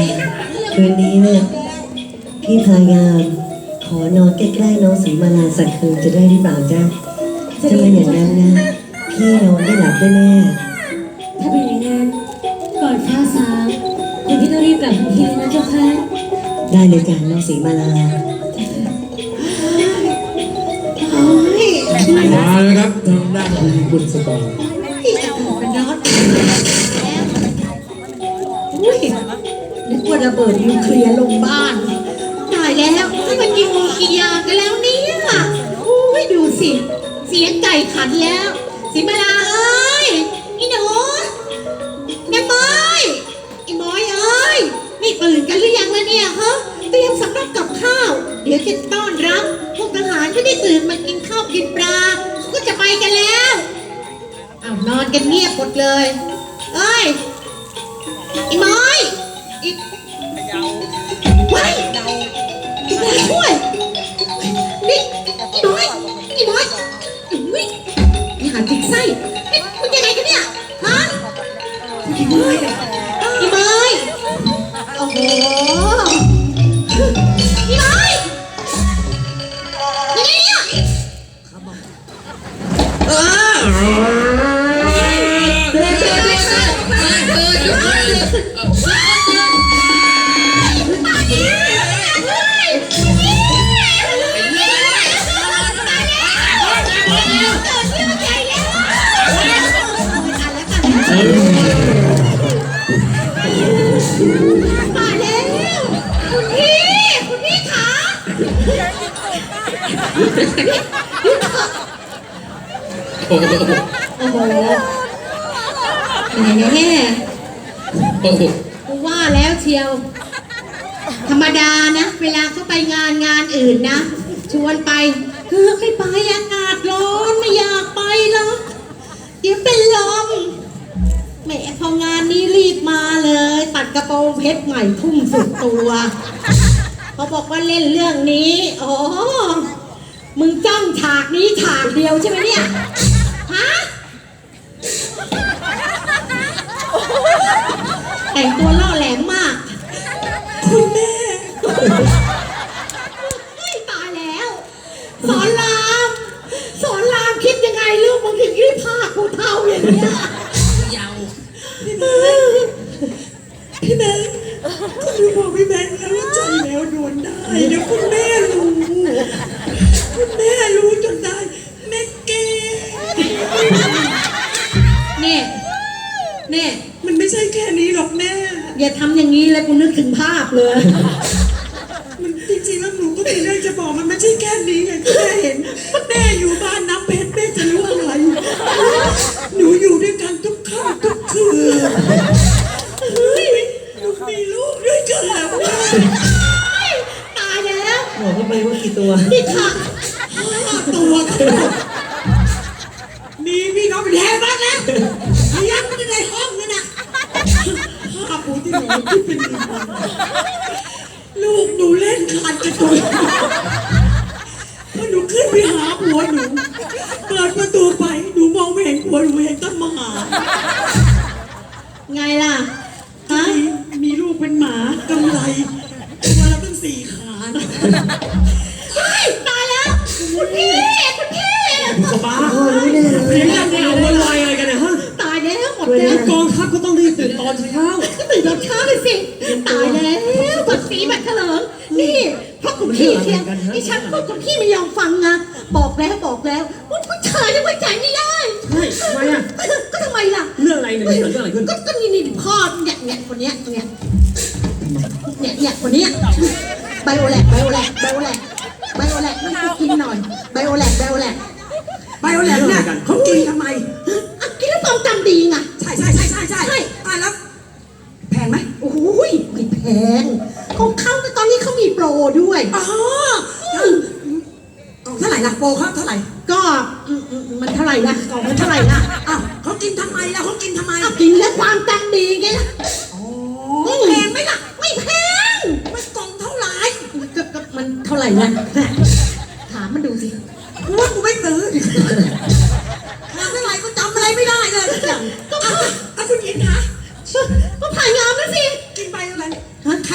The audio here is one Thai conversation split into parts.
คืนนี้เนี่ยพี่พายามขอนอนใกล้ๆน้องสีมาลาสักคืนจะได้หรือเปล่าจ๊ะถ้าเป็นอย่างนั้นนะพี่นอนไม่หลับแน่ถ้าเป็นอย่างนั้นก่อนฟ้าสางคุณพี่ต้องรีบกลับทันทีเลยนะเจ้าค่ะๆได้เลยจ้ะน้องสีมาลามาเลยครับทางด้านคุณบุญสกรเป็นน็อตอุ้ยนึกว่าระเบิดนิวเคลียร์ลงบ้านตายแล้วนี่มันยิงกี่อย่างกันแล้วเนี่ยอุ้ยดูสิเสียงไก่ขันแล้วสิมาลาเอ้ยอีหนูแม่บอยอีบอยเอ้ยนี่ตื่นกันหรือยังล่ะเนี่ยฮะเตรียมสำรับกับข้าวเดี๋ยวจะต้อนรับพวกทหารที่ได้ตื่นมากินข้าวกินปลาเขาก็จะไปกันแล้วอ้าวนอนกันเงียบหมดเลยเอ้ยอีบอยอีว้ายอีบอยช่วยนี่อีบอยอีบอยอุ้ยนี่หาจิกไส้นี่คุณยังไงกันเนี่ยฮะอีบอยอีบอยโอ้โหอีบอยยังไงเนี่ยมาแล้วคุณพี่ขาโอ้โหโอ้โหแหมโอ้โหกูว่าแล้วเชียว ธรรมดานะ เวลาเขาไปงานอื่นนะ ชวนไปไม่ไปอากาศร้อนไม่อยากไปหรอกเดี๋ยวเป็นลมแหมพองานนี้รีบมาเลย ตัดกระโปรงเพชรใหม่ทุ่มสุดตัวเขาบอกว่าเล่นเรื่องนี้อ๋อมึงจ้องฉากนี้ฉากเดียวใช่ไหมเนี่ยฮะแต่งตัวล่อแหลมมากคุณแม่ตายแล้วสอนรามคิดยังไงลูกมึงถึงรีบพากูเท่าอย่างเนี้ยพี่แบงค์คุณบอกพี่แบงค์แล้วว่าใจแล้วโดนได้เดี๋ยวคุณแม่รู้จนได้แม่เก่งเนี่ยมันไม่ใช่แค่นี้หรอกแม่อย่าทำอย่างนี้เลยกูนึกถึงภาพเลยมันจริงๆแล้วหนูก็มีเรื่องจะบอกมันไม่ใช่แค่นี้ไงแม่เห็นแม่อยู่บ้านน้ำเพชรแม่จะรู้อะไรหนูอยู่ด้วยกันทุกค่ำทุกคืนหนูมีลูกด้วยกันแล้วตายแล้วบอกเขาไปว่ากี่ตัวนี่ค่ะ5 ตัวมีพี่น้องเป็นแทนบ้างแล้วยังไม่ได้ในห้องนั่นน่ะ5 ปูที่หนูที่เป็นลูกหนูเล่นขาดกระตุกพอหนูขึ้นไปหาผัวหนูเปิดประตูไปหนูมองไม่เห็นผัวหนูเห็นต้นมหาไงล่ะฮะมีลูกเป็นหมากำไรตัวละตั้ง4 ขาตายแล้วคุณพี่สบายพ่อรู้แน่เลยเพียงเรื่องนี้เอาไว้อะไรกันเนี่ยฮะตายแล้วหมดแล้วกองทัพก็ต้องรีบตื่นตอนเช้าก็ตื่นตอนเช้าเลยสิตายแล้วบัดสีบัดเถลิงนี่เพราะคุณพี่เชียงที่ฉันพูดคุณพี่ไม่ยอมฟังนะบอกแล้วว่าผู้ชายจะไว้ใจไม่ได้ใช่ทำไมอ่ะก็ทำไมล่ะเรื่องอะไรเนี่ยเกิดเรื่องอะไรขึ้นก็นี่พ่อเนี่ยคนเนี้ยคนเนี้ยไบโอแลกมันกินหน่อยไบโอแลกเนี่ยเขากินทำไมกินแล้วความจำดีไงใช่ตายแล้วแพงไหมโอ้ยไม่แพงของเขาตอนนี้เขามีโปรด้วยอ๋อกล่องเท่าไหร่ล่ะโปรเขาเท่าไหร่ก็มันเท่าไหร่ล่ะกล่องมันเท่าไหร่ล่ะอ้าวเขากินทำไมล่ะกินแล้วความจำดีไงล่ะแพงไหมล่ะไม่แพงมันกล่องเท่าไหร่ก็มันเท่าไหร่ล่ะถามมันดูสิว่ากูไม่ซื้อทำเท่าไหร่ก็จำอะไรไม่ได้เลยก็คุณกินนะก็ผ่านงามแล้วสิกินไปอะไรฮะ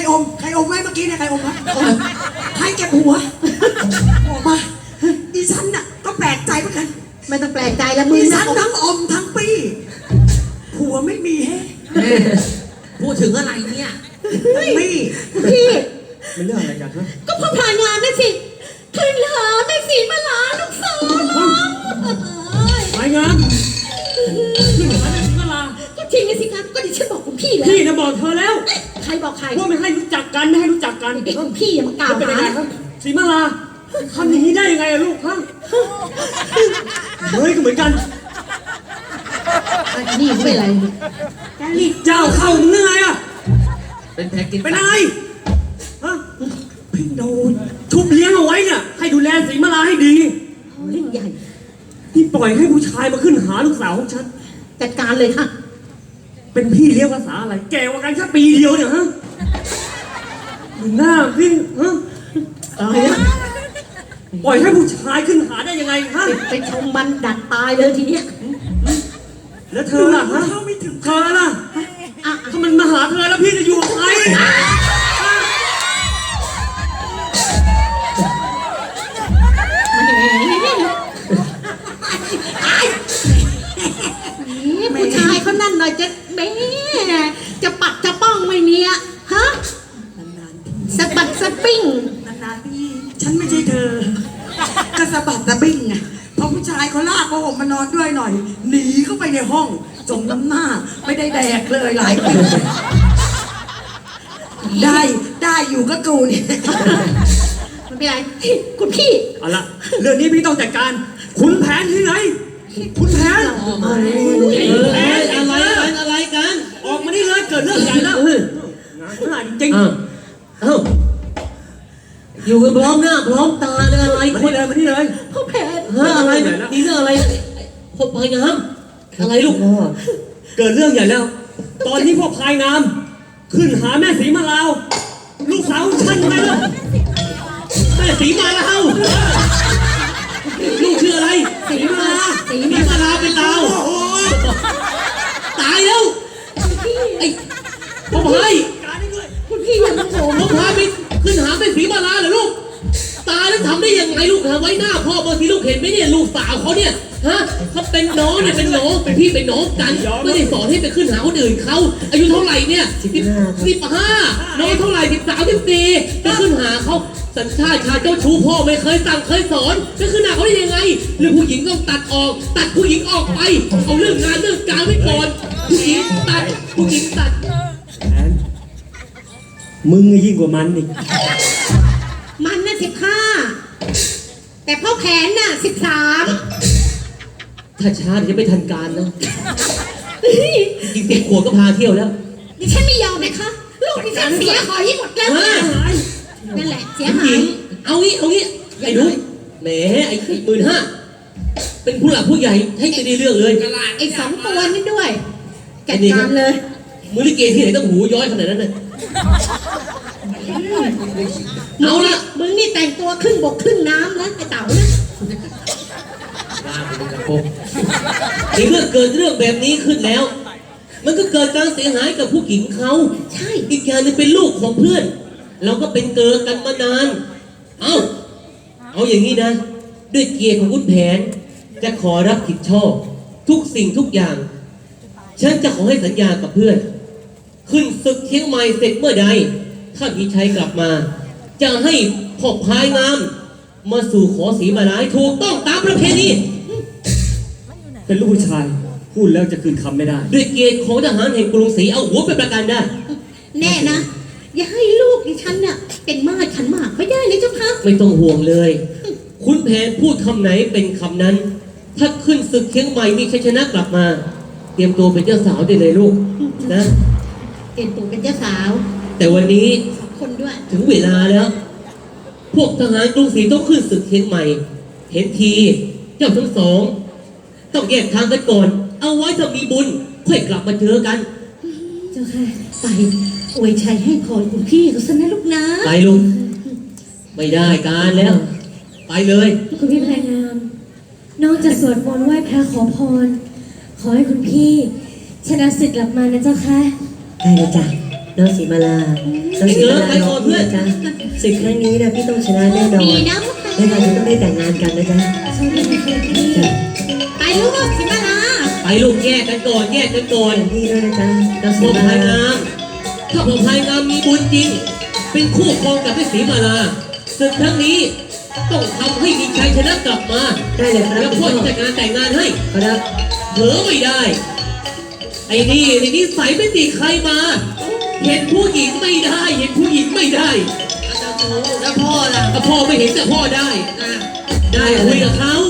อมไหมเมื่อกี้เนี่ยใครอมวะใครเก็บหัวออกมาดิฉันน่ะก็แปลกใจเหมือนกันไม่ต้องแปลกใจแล้วมึงดินะฉันทั้งอมทั้งปี้ผัวไม่มีให้พูดถึงอะไรเนี่ยปี้พี่มันเรื่องอะไรกันฮะก็พอผ่านงานนั่นสิคืนหาแม่สีมาลาลูกสาวไปงานขึ้นหาแม่ศรีมาลาก็จริงสิครับก็ดิฉันบอกคุณพี่แล้วพี่นะบอกเธอแล้วใครบอกใครว่าไม่ให้รู้จักกันไม่ให้รู้จักกันเด็กคุณพี่อย่ามากล่าวเป็นยังหาไงครับศรีมาลาทำอย่างนี้ได้ยังไงอะลูกฮะเฮ้ยก็เหมือนกันอันนี้ไม่เป็นไรนี่เจ้าเข้ามึงยังไงอะเป็นแพ็กกินเป็นอะไรฮะพี่โดนทุบเลี้ยงเอาไว้เนี่ยให้ดูแลศรีมาลาให้ดีเรื่องใหญ่นี่ปล่อยให้ผู้ชายมาขึ้นหาลูกสาวของฉันจัดการเลยค่ะเป็นพี่เลี้ยงภาษาอะไร แกกว่ากันแค่ปีเดียวเนี่ยฮะหน้าพี่ฮะอะไรนะปล่อยให้ผู้ชายขึ้นหาได้ยังไงฮะไปชมมันดัดตายเลยทีเนี้ยแล้วเธอล่ะฮะเธอล่ะอ่ะถ้ามันมาหาเธอแล้วพี่จะอยู่กับใครผู้ชายเขานั่นหน่อยจะแม่จะปัดจะป้องไม่มีอะฮะสะบัดสะปิ้งนานๆพี่ฉันไม่ใช่เธอกระสะบัดตะบิ้งไงพอผู้ชายเขาลากผ้าห่มมานอนด้วยหน่อยหนีเข้าไปในห้องจมน้ำหน้าไม่ได้แดกเลยหลายปีได้อยู่ก็กูเนี่ยไม่เป็นไรคุณพี่เอาละเรื่องนี้พี่ต้องจัดการขุนแผนที่ไหนขุนแผนอะไรกันออกมานี่เลยเกิดเรื่องใหญ่แล้วงานพลาดจริงเอ้าอยู่กันพร้อมหน้าพร้อมตาเลยอะไรๆมาที่เลยมาที่เลยพ่อแผนฮะอะไรมีเรื่องอะไรพบพายงามอะไรลูกพ่อเกิดเรื่องใหญ่แล้ว ตอนนี้พวกพายงาม ขึ้นหาแม่ศรีมาลาวลูกสาวฉันไปแล้วแม่ศรีมาลาวลูกชื่ออะไรศรีมาลาศรีมาลาเป็นดาวตายแล้วไอ้พ่อพายคุณพี่อย่ามาโผล่พ่อพายไปขึ้นหาแม่ศรีมาลาเหรอลูกตายแล้วทำได้ยังไงลูกหาไว้หน้าพ่อบางทีลูกเห็นไหมเนี่ยลูกสาวเขาเนี่ยฮะเขาเป็นน้องเนี่ยเป็นน้องเป็นพี่เป็นน้องกันไม่ได้สอนให้ไปขึ้นหาคนอื่นเขาอายุเท่าไหร่เนี่ย15น้องเท่าไหร่13 14จะขึ้นหาเขาสัญชาติชาติเจ้าชู้พ่อไม่เคยสั่งเคยสอนจะขึ้นหาเขาได้ยังไงเรื่องผู้หญิงต้องตัดออกตัดผู้หญิงออกไปเอาเรื่องงานเรื่องการไว้ก่อนผู้หญิงตัดผู้หญิงตัดแผนมึงยิ่งกว่ามันอีกมันน่ะ15แต่พ่อแผนน่ะ13 ถ้าช้าเดี๋ยวจะไม่ทันการนะจริงๆ10 ขวบก็พาเที่ยวแล้วดิฉันไม่ยอมนะคะลูกดิฉันเสียหายหมดแล้วเฮ้ยนั่นแหละเสียผู้หาหญิยงเอางี้ไอ้หนูแหมไอ้15,000เป็นผู้หลักผู้ใหญ่ให้ไปได้เรื่องเลยไอ้2 ตัวนั่นด้วยจัดการเลยมือลิเกที่ไหนต้องหูย้อยขนาดนั้นน่ะเอาละมึงนี่แต่งตัวครึ่งบกครึ่งน้ำนะไอ้เต๋านะในเมื่อเกิดเรื่องแบบนี้ขึ้นแล้ว มันก็เกิดการเสียหายกับผู้หญิงเขาใช่อีกอย่างหนึงเป็นลูกของเพื่อน เราก็เป็นเกิดกันมานาน เอาอย่างนี้นะ ด้วยเกียรติของคุณแผน จะขอรับผิดชอบ ทุกสิ่งทุกอย่าง ฉันจะขอให้สัญญากับเพื่อน ขึ้นศึกเชียงใหม่เสร็จเมื่อใด ถ้ามีชัยกลับมา จะให้พ่อพายงาม มาสู่ขอสีมาลายถูกต้องตามประเพณีเป็นลูกผู้ชาย พูดแล้วจะคืนคำไม่ได้ด้วยเกียรติของทหารแห่งกรุงศรีเอาหัวไปประกันได้แน่นะ อย่าให้ลูกดิฉันน่ะเป็นมาดขันหมากไม่ได้เลยเจ้าค่ะไม่ต้องห่วงเลย คุณแผนพูดคำไหนเป็นคำนั้น ถ้าขึ้นศึกเชียงใหม่มีชัยชนะกลับมา เตรียมตัวเป็นเจ้าสาวได้เลยลูกนะเตรียมตัวเป็นเจ้าสาวแต่วันนี้คนด้วยถึงเวลาแล้ว พวกทหารกรุงศรีต้องขึ้นศึกเชียงใหม่ เห็นที เจ้าทั้งสอง ต้องแยกทางกันก่อน เอาไว้ถ้ามีบุญค่อยกลับมาเจอกันเจ้าค่ะไปอวยชัยให้พรคุณพี่เขาซะนะลูกนะไปลุงไม่ได้การแล้ว ไปเลยคุณพี่พายงาม น้องจะสวดมนต์ไหว้พระขอพร ขอให้คุณพี่ ชนะศึกกลับมานะเจ้าค่ะได้เลยจ้ะน้องสีมาลาน้องสีมาลาน้องพี่นะจ๊ะศึกครั้งนี้นะพี่ต้องชนะแน่นอนดีนะและเราจะต้องได้แต่งงานกันนะจ๊ะโชคดีนะคะพี่จ้ะไปลูกสิมาลาไปลูกแยกกันก่อนแยกกันก่อนพี่ด้วยนะจ๊ะน้องสีพ่อมาพายลางามถ้าพ่อพายงามมีบุญจริง เป็นคู่ครองกับแม่ศรีมาลาศึกครั้งนี้ต้องทำให้มีชัยชนะกลับมาได้เลยครับแล้วพ่อจะจัดงานแต่งงานให้ครับเผลอไม่ได้ ไอ้นี่ใส่ไม่ติใครมา เห็นผู้หญิงไม่ได้ เห็นผู้หญิงไม่ได้แล้วพ่อล่ะถ้าพ่อไม่เห็นแต่พ่อได้ ได้คุยกับเขา